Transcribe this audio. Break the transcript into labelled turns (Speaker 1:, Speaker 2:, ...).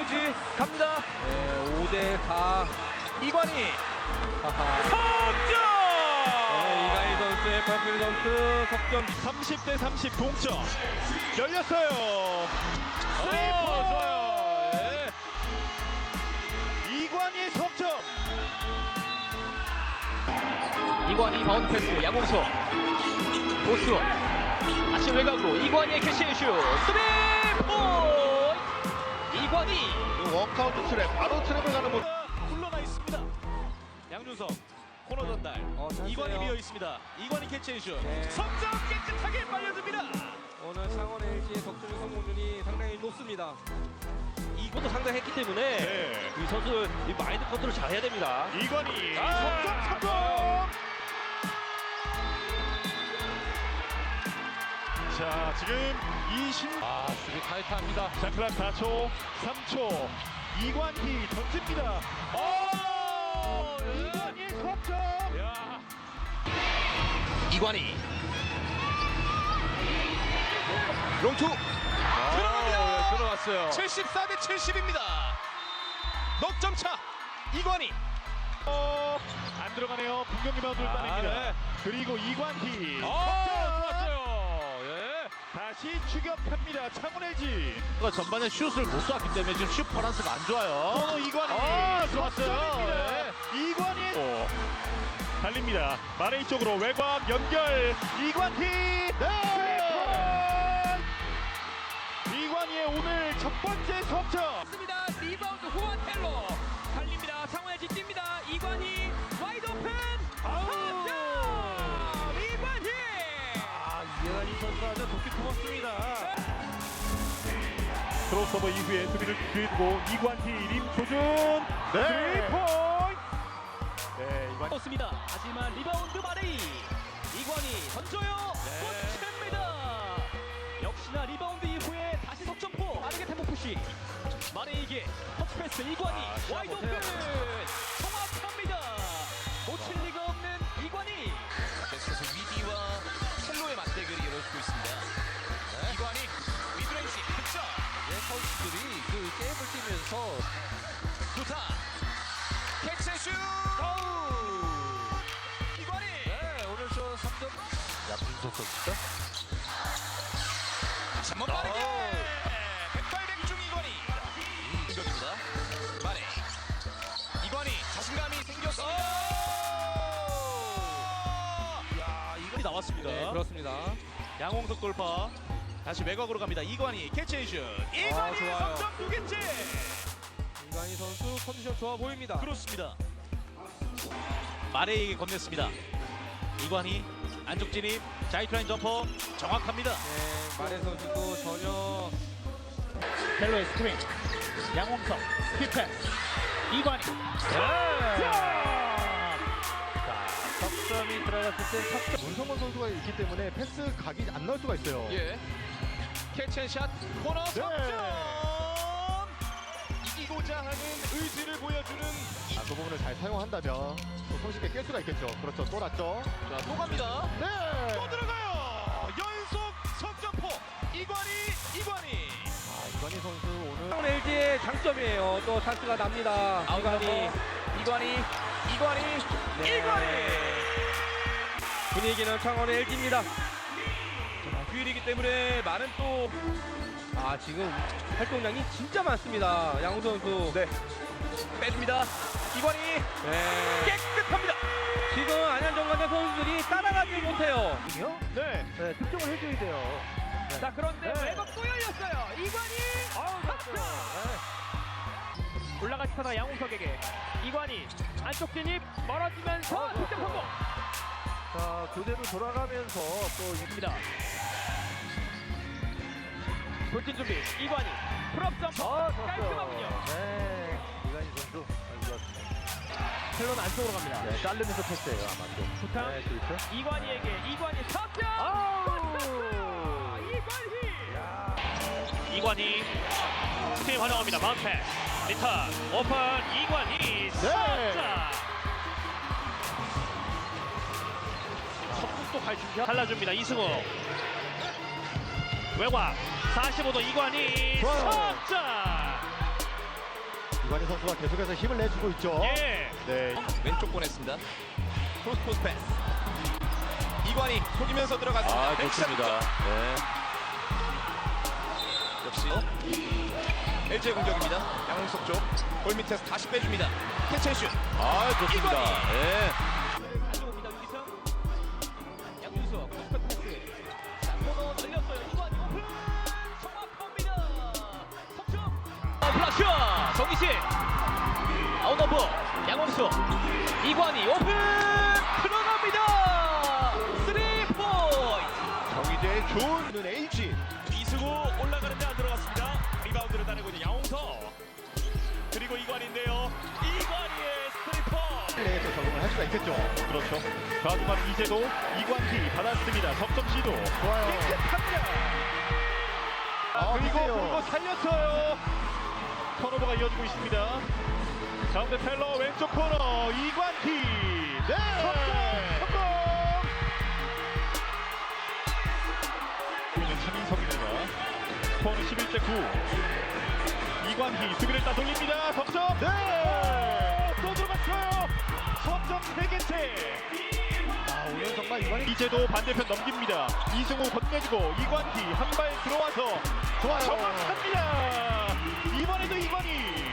Speaker 1: LG 갑니다.
Speaker 2: 네, 5대4.
Speaker 1: 이관희
Speaker 2: 하하.
Speaker 1: 석점.
Speaker 2: 네, 이가희 선수의 박규리 선수 석점.
Speaker 1: 30대 30 동점. 열렸어요.
Speaker 2: 좋아요. 예.
Speaker 1: 이관희의 석점.
Speaker 3: 이관희 바운드 패스 양홍석 보스 다시 외곽으로 이관희의 캐시슛 3포인트 이관희
Speaker 1: 원카운트 트랩, 바로 트랩을 가는 모습. 굴러가 있습니다. 양준석 코너 전달.
Speaker 2: 찬스예요.
Speaker 1: 이관희 비어 있습니다. 이관희 캐치앤슛.
Speaker 2: 네.
Speaker 1: 석점 깨끗하게 빨려듭니다.
Speaker 2: 오늘 창원 LG의 석점 성공률이 상당히 높습니다.
Speaker 3: 이것도 상당했기 때문에
Speaker 1: 네.
Speaker 3: 이 선수 이 마인드 컨트롤 잘 해야 됩니다.
Speaker 1: 이관희
Speaker 2: 아,
Speaker 1: 석점 성공. 자, 지금 20.
Speaker 2: 수비 타이트합니다.
Speaker 1: 자, 클락 4초, 3초. 이관희 던집니다. 이관희 석점. 야.
Speaker 3: 이관희
Speaker 1: 롱투 들어갑니다.
Speaker 2: 들어갔어요.
Speaker 1: 74대 70입니다. 넉점 차. 이관희. 안 들어가네요. 분경 리바운드를 따냅니다.
Speaker 2: 네.
Speaker 1: 그리고 이관희.
Speaker 2: 좋았어요. 예.
Speaker 1: 다시 추격합니다. 창원 LG.
Speaker 3: 전반에 슛을 못 쐈기 때문에 지금 슛 퍼런스가 안 좋아요.
Speaker 1: 번호 이관희.
Speaker 3: 좋았어요.
Speaker 1: 이관희. 달립니다. 마레이 쪽으로 외곽 연결. 이관희. 이관희의 오늘 첫 번째 석점.
Speaker 3: 습니다 리바운드 후안텔로 달립니다. 창원 LG 뜁니다. 이관희 와이드 오픈 석점 이관희
Speaker 2: 이관희 선수 아주 도끼 터먹습니다.
Speaker 1: 크로스오버 이후에 수비를 뒤두고 이관희 림 조준. 네. 3포인트. 네, 이관희.
Speaker 3: 습니다 하지만 리바운드 마레이 이관희 던져요. 꽂힙니다. 역시나 리바운드 이후에 다시 석점포 빠르게 템포 푸시 마레이에게 터치패스 이관희 와이드 오픈 정확합니다. 놓칠 리가 없는 이관희.
Speaker 4: 계속해서 위디와 첼로의 맞대결이 이루어지고 있습니다. 이관희 미드레인지 득점. 선수들이 그 게임을 뛰면서 좋다. 캐치슛. 이관희. 네, 오늘 저 3점. 야분석 선수다. 다시 한번 빠르게. 백발백중 이관희. 공격입니다. 마레. 이관희 자신감이 생겼습니다.
Speaker 1: 이관희 나왔습니다.
Speaker 2: 네, 그렇습니다.
Speaker 1: 양홍석 돌파. 다시 외곽으로 갑니다. 이관희 캐치앤슛. 이관희
Speaker 2: 좋아요.
Speaker 1: 석점 두 개째.
Speaker 2: 이관희 선수 컨디션 좋아 보입니다.
Speaker 1: 그렇습니다. 마레이에게 건넸습니다. 이관희 안쪽 진입. 자이트라인 점퍼 정확합니다.
Speaker 2: 네, 마레 선수도 전혀
Speaker 3: 텔로의 스크린 양홍석 스킵패스 이관희
Speaker 2: 석점이 들어갔을 때 석점.
Speaker 5: 문성원 선수가 있기 때문에 패스 각이 안 나올 수가 있어요.
Speaker 4: 예. 캐치앤샷 코너
Speaker 1: 네.
Speaker 4: 석점. 이기고자 하는 의지를 보여주는
Speaker 5: 그 부분을 잘 사용한다면 또 손쉽게 깰 수가 있겠죠. 그렇죠. 또 났죠.
Speaker 4: 자, 또 갑니다.
Speaker 5: 네.
Speaker 1: 또 들어가요. 연속 석점포. 이관희.
Speaker 5: 이관희 선수 오늘
Speaker 2: 창원 LG의 장점이에요. 또 찬스가 납니다. 이관희. 분위기는 창원 LG입니다. 휴일이기 때문에 많은 또 지금 활동량이 진짜 많습니다. 양우 선수. 네.
Speaker 1: 빼줍니다. 이관희
Speaker 2: 네.
Speaker 1: 깨끗합니다.
Speaker 2: 지금 안현정관의 선수들이 따라가지 못해요.
Speaker 1: 네.
Speaker 5: 네, 득점을 해줘야 돼요.
Speaker 3: 자 그런데
Speaker 5: 네.
Speaker 3: 외곽 또 열렸어요. 이관희 석점. 올라가시 타다 양홍석에게 이관희 안쪽 진입 멀어지면서 득점 성공.
Speaker 5: 자, 교대로 돌아가면서 또
Speaker 3: 입니다. 돌진 준비 이관희 풀업 점퍼 깔끔하군요.
Speaker 5: 네. 이관희 선수 아주 좋았습니다.
Speaker 3: 텔론 안쪽으로 갑니다.
Speaker 5: 네, 자르면서 패스예요, 아마 좀.
Speaker 3: 부탕
Speaker 5: 네, 그렇죠.
Speaker 3: 이관희에게 이관희 석점. 이관희 스팀 환영합니다. 마운트 패스 리턴 오픈 이관희 석점. 속도 갈 준비 달라줍니다. 이승우 외곽 45도 이관희
Speaker 5: 좋아요.
Speaker 3: 석점.
Speaker 5: 이관희 선수가 계속해서 힘을 내주고 있죠.
Speaker 1: 예.
Speaker 5: 네.
Speaker 2: 왼쪽 보냈습니다. 크로스 패스. 이관이 속이면서 들어갔습니다.
Speaker 4: 아, 좋습니다. 네.
Speaker 2: 역시 LG의 공격입니다. 양홍석 쪽. 골 밑에서 다시 빼줍니다. 캐치앤슛.
Speaker 4: 아, 좋습니다. 네.
Speaker 3: 가져옵니다. 유기성. 양준수 크로스 패스. 자, 코너 열렸어요. 이관이 오픈. 정확합니다. 석점. 플라슈. 정기식. 아웃넘버. 양원수. 이관이 오픈. 들어갑니다. 3포인트.
Speaker 1: 정희재의 좋은 LG.
Speaker 6: 이승우 올라가는데 안 들어갔습니다. 리바운드를 따내고 있는 양홍석. 그리고 이관인데요. 이관이의 스트리퍼.
Speaker 5: 내에서 적응을 할 수가 있겠죠.
Speaker 1: 그렇죠. 좌중간 이제도 이관희 받았습니다. 석점 시도.
Speaker 5: 좋아요.
Speaker 1: 깨끗합니다. 그리고
Speaker 5: 보세요.
Speaker 1: 불고 살렸어요. 턴오버가 이어지고 있습니다. 가운데 텔러 왼쪽 코너 이관희.
Speaker 5: 네.
Speaker 1: 성공. 이는 차민석입니다. 스코어는 11대 9. 이관희 수비를 따돌립니다. 석점.
Speaker 5: 네.
Speaker 1: 또 들어갔어요. 석점 3개째.
Speaker 5: 오늘 정말 이관희
Speaker 1: 이제도 반대편 넘깁니다. 이승우 건네주고 이관희 한 발 들어와서
Speaker 5: 좋아요.
Speaker 1: 정확합니다. 이번에도 이관희.